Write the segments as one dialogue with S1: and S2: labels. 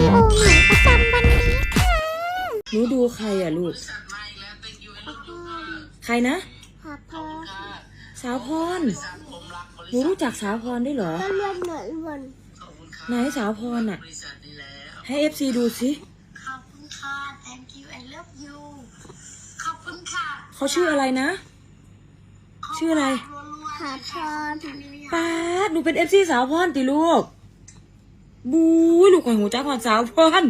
S1: โอหนูประจำวันนี้ค่ะ
S2: หนูดูใครอ่ะลูก ใครนะ
S1: ขอพอ
S2: สาวพร หนูรู้จักสาวพรได้วยเหรอ
S1: ก็เลื่อนเหมือนวัน
S2: ไหนสาวพรอ่ะ ให้เอฟซีดูสิ
S3: ขอบคุณค่ะ thank you I love you ขอบคุณค่ะ
S2: เขาชื่ออะไรนะ ชื่ออะไร
S1: ขอพร
S2: ป้าดหนูเป็นเอฟซีสาวพรติลูก บู๊ยลูกข่อยหูจ้าพรสาวพร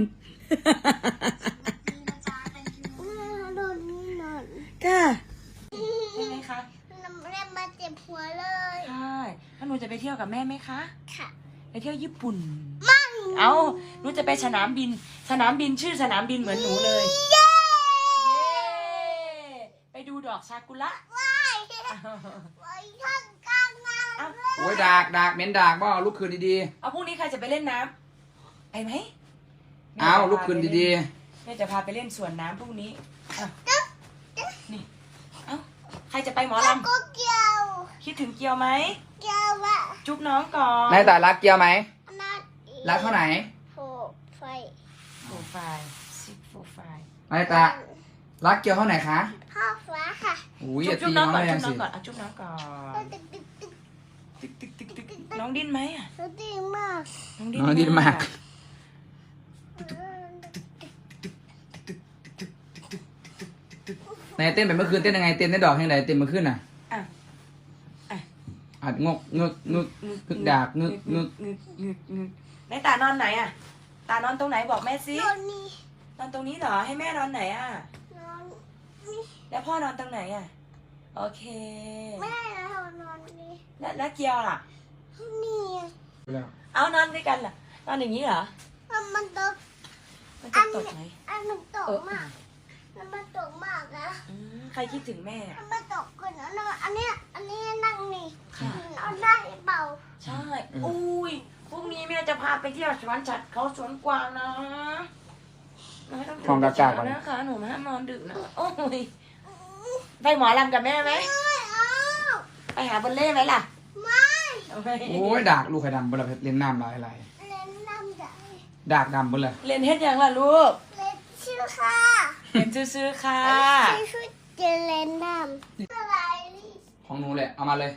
S1: โดนนี่นอน
S2: ก้าใช่ไหมคะ
S1: น้ำแร่มาเจ็บหัวเลย
S2: ใช่แล้วหนูจะไปเที่ยวกับแม่ไหมคะ
S1: ค่ะ
S2: ไปเที่ยวญี่ปุ่น
S1: ไม่
S2: เอาหนูจะไปสนามบิน สนามบินชื่อสนามบินเหมือนหนูเลย
S1: เย้
S2: ไปดูดอกซากุระ
S1: ว้ายไว้ข้างกลางน้ำ
S2: เอา
S1: เลย
S4: โอ้ยดากเหม็นดากบ่ลุกคืนดี
S2: เอาพรุ่งนี้ใครจะไปเล่นน้ำไปไหม
S4: ๆเอาลุกคืนดี
S2: แม่จะพาไปเล่นสวนน้ำพรุ่งนี้อ่ะนี่เอาใครจะไปหมอ
S1: แล้ว
S2: ลำ
S1: ก็เกี่ยว
S2: คิดถึงเกียวไหม
S1: เกี่ยวอะ
S2: จุ๊บน้องก่อน
S4: ๆนายตารักเกียวไหม
S1: นัดอี
S4: รักเท่าไหน
S1: โฟไฟ
S2: โปรไฟล์ซิกโปรไฟล์
S4: นายตารักเกียวเท่าไหนคะ
S1: พ่อฟ้าค่ะ
S4: อุ้ยอย่า
S2: จุ๊บ
S4: ตี
S2: น้
S4: น้
S2: อ
S4: อง ง
S2: ก่อน
S4: เลย
S2: จุ๊
S4: ยั
S2: บ
S4: ง
S2: น้อง
S4: สิ
S2: ก่อนจุ๊บน้องก่อน
S1: ตึกตึกตึก
S2: ตึกตึกตึกตึกตึกน้องดิ้นไหมอ่ะ
S1: ตึกดีมาก
S2: น้องดิ้น
S4: น้องดีมาก นายเต้นไปเมื่อคืนเต้นยังไงเต้นได้ดอกยังไงเต้นเมื่อคืนน่ะ
S2: อ่ะอ่ะ
S4: อัดงกงึกงึกงึกดากงึกงึก
S2: งึกงึกงึกไหนตานอนไหนอ่ะ ตานอนตรงไหนบอกแม่สิ
S1: นอนนี่
S2: นอนตรงนี้เหรอให้แม่นอนไหนอ่ะ
S1: นอนนี่
S2: แล้วพ่อนอนตรงไหนอ่ะโอเค
S1: แม่เรานอนนี่
S2: แล้วเกียวล่ะ
S1: นี่
S2: เอานอนด้วยกันล่ะนอนอย่างนี้เหรอ
S1: มันตก
S2: มันจะตกไหม
S1: อันมันตกมากมันตกมากนะ
S2: ใครคิดถึงแม่อะ
S1: มันตกก่อนนะอันนี้นั่งนี่
S2: ค่ะ
S1: นอนได้เปล่า
S2: ใช่อุ้ยพรุ่งนี้แม่จะพาไปเที่ยวสวนสัตว์เขาสวนกวางนะไม่ต้องตื่นแต่เช้านะคะหนูห้ามนอนดึกนะโอ้ยไปหมอลำกับแม่ไหม
S1: ไม่เอา
S2: ไปหาบอลเล่ไหมล่ะ
S1: ไม่
S2: เอาไป
S4: โอ้ยดากลูกไข่ดำบนละเล่นน้ำลายไหล
S1: เล่นน้ำได้
S4: ดากดำบนละ
S2: เรียนเฮ็ดยังล่ะลูก
S1: เล่นชื่อค่ะ
S2: เรียนซื้อๆค่ะ
S1: ชื่อจะเล่นน้ำอะไรนี่
S4: ของหนูแหละเอามาเลย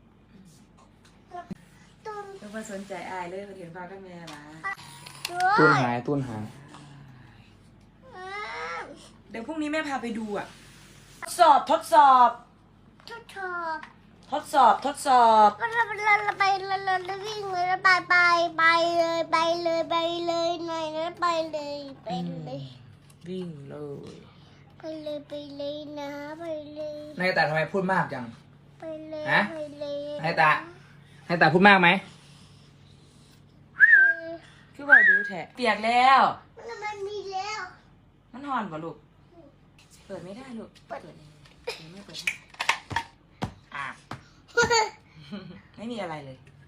S1: ตุ้น
S2: ลูกมาสนใจอายเลยมาเรียนฟังกับแม่ละ
S1: ด้วย
S4: ตุ้นหายตุ้นหาย
S2: เดี๋ยวพรุ่งนี้แม่พาไปดูอ่ะทดสอบทดสอบ
S1: ทุกทอบ
S2: ทดสอบทดสอบ
S1: เราไปเราวิ่งเลยไปเลยไปเลยหน่อยนะไปเลย
S2: วิ่งเลย
S1: ไปเลยนะไปเลย
S4: นายตาทำไมพูดมากจัง
S1: ไปเลย
S4: ฮะ
S1: ไปเลย
S4: นายตาพูดมากไหม
S2: คือว่าดูแทะเปียกแล้ว
S1: มันมีแล้ว
S2: มันหอนป่ะลูก เปิดไม่ได้ลูก เปิดเลยไม่เปิดให้อ่ะ ไม่มีอะไรเลย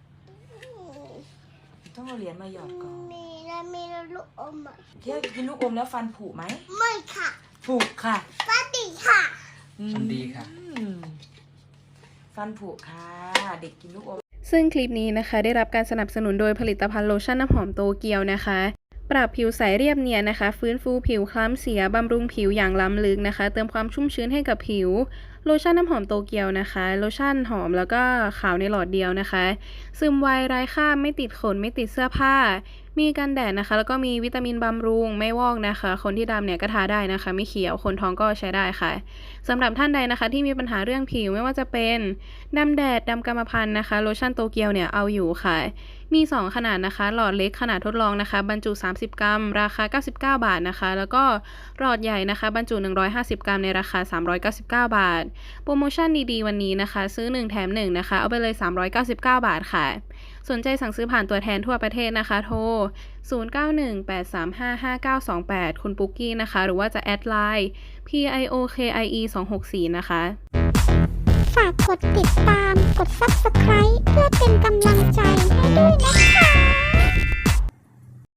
S2: ต้องเอาเหรียญมาหยอดก่อน
S1: มีลูกอมอ่ะ
S2: เที่ยวกินลูกอมแล้วฟันผุไหม
S1: ไม่ค่ะ
S2: ผุค่ะ
S1: ปาติค่ะ
S4: ฉันดีค่ะ
S2: ฟันผุค่ะ เด็กกินลูกอม
S5: ซึ่งคลิปนี้นะคะได้รับการสนับสนุนโดยผลิตภัณฑ์โลชั่นน้ำหอมโตเกียวนะคะ ปรับผิวใสเรียบเนียนนะคะ ฟื้นฟูผิวคล้ำเสียบำรุงผิวอย่างล้ำลึกนะคะ เติมความชุ่มชื้นให้กับผิวโลชั่นน้ำหอมโตเกียวนะคะโลชั่นหอมแล้วก็ขาวในหลอดเดียวนะคะ ซึมไวไร้คราบไม่ติดขนไม่ติดเสื้อผ้า มีกันแดดนะคะ แล้วก็มีวิตามินบำรุงไม่วอกนะคะ คนที่ดำเนี่ยก็ทาได้นะคะ ไม่เขียวคนท้องก็ใช้ได้ค่ะสำหรับท่านใดนะคะ ที่มีปัญหาเรื่องผิวไม่ว่าจะเป็นดำแดดดำกรรมพันธุ์นะคะโลชั่นโตเกียวเนี่ยเอาอยู่ค่ะมี2ขนาดนะคะหลอดเล็กขนาดทดลองนะคะบรรจุ30 กรัมราคา99 บาทนะคะแล้วก็หลอดใหญ่นะคะบรรจุ150 กรัมในราคา399 บาทโปรโมชั่นดีๆวันนี้นะคะซื้อ1แถม1นะคะเอาไปเลย399 บาทค่ะสนใจสั่งซื้อผ่านตัวแทนทั่วประเทศนะคะโทร0918355928คุณปุ๊กกี้นะคะหรือว่าจะแอดไลน์ PIOKIE264 นะคะ
S1: ฝากกดติดตามกด Subscribe เพื่อเป็นกำลังใจให้ด้วยนะคะ